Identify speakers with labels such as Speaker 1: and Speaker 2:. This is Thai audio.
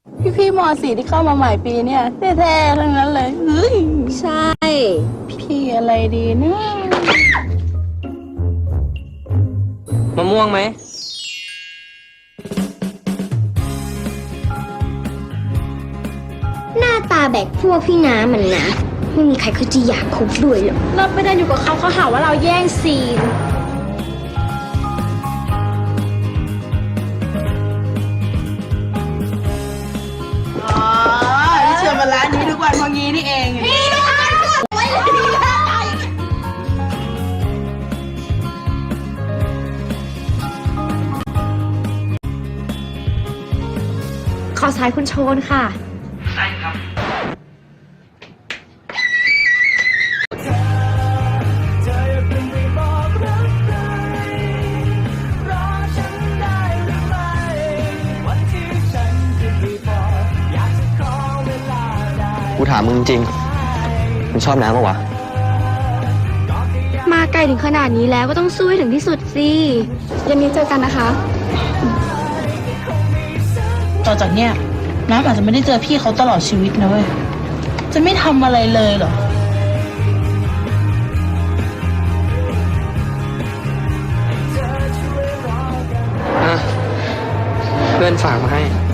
Speaker 1: พี่ม.4ที่เข้ามาใหม่ปีเนี่ยแท้ๆทั้งนั้นเลยเฮ้ย
Speaker 2: ใช่
Speaker 1: พี่อะไรดีนะ
Speaker 3: มะม่วงไหม
Speaker 2: หน้าตาแบกพวกพี่น้ามันนะไม่มีใครเขาจะอยากคบด้วยหรอกเราไม่ได้อยู่กับเขาเขาหาว่าเราแย่งซีน
Speaker 1: อ๋อที่เชื่อมาร้านนี้ทุกวันพองี้นี่เอง
Speaker 2: ขอสายคุณโชนค่ะ
Speaker 3: ใช่ครับ
Speaker 4: กูถามมึงจริงมึงชอบน้ำปะวะ
Speaker 2: มาไกลถึงขนาดนี้แล้วก็ต้องสู้ให้ถึงที่สุดสิเย็นนี้เจอกันนะคะ
Speaker 1: ต่อจากเนี้ยน้ำอาจจะไม่ได้เจอพี่เขาตลอดชีวิตนะเว้ยจะไม่ทำอะไรเลยเหรอ
Speaker 3: เพื่อนฝากมาให้